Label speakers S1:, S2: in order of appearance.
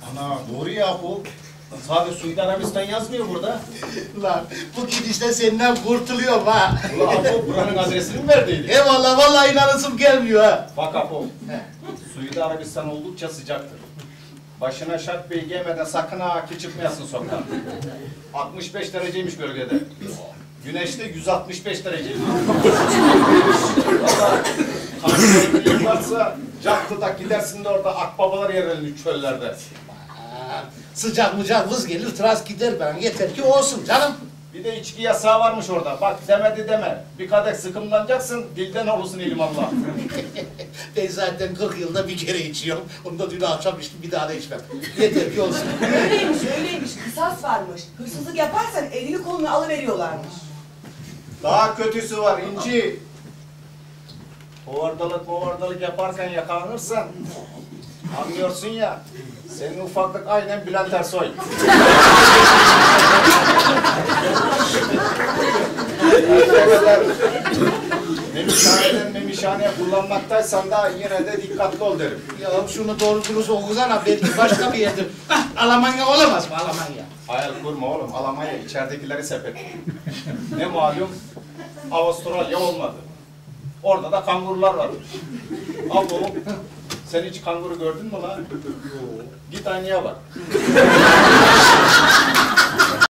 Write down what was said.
S1: Ana doğru ya bu. Sadece Suudi Arabistan yazmıyor burada.
S2: Lan bu gidişle senden kurtuluyorum ha.
S1: Ulan Apo buranın adresini mi verdiydi?
S2: Eyvallah vallahi inanasım gelmiyor ha.
S1: Bak Apo, Suudi Arabistan oldukça sıcaktır. Başına şart beyi giymeden sakın ha ki çıkmayasın sokağa. 65 dereceymiş bölgede. Güneşte 165 dereceymiş. Valla kanserliğin varsa Caklı'da gidersin de orada akbabalar yerlenir çöllerde.
S2: Sıcak mıcak vız gelir tıras gider ben yeter ki olsun canım.
S1: Bir de içki yasağı varmış orada. Bak demedi deme. Bir kadeh sıkımlanacaksın, dilden olursun ilmallah.
S2: Ben zaten 40 yılda bir kere içiyorum. Onu da dün akşam içtim bir daha da içmem. Yeter ki olsun.
S3: Öyleymiş, öyleymiş. Kısas varmış. Hırsızlık yaparsan elini kolunu alıveriyorlarmış.
S1: Daha kötüsü var İnci. Hovardalık yaparken yakalanırsan anlıyorsun ya. Senin ufaklık aynen Bülent Ersoy. Memişhaneye kullanmaktaysan da yine de dikkatli ol derim.
S2: Ya şunu doğru dürüst okusana belki başka bir yerdir. Almanya olamaz mı Almanya?
S1: Hayal kurma oğlum. Almanya içeridekileri sepet. Ne malum Avustralya olmadı. Orada da kangurular var. Abo, sen hiç kanguru gördün mü lan? Git aynaya bak.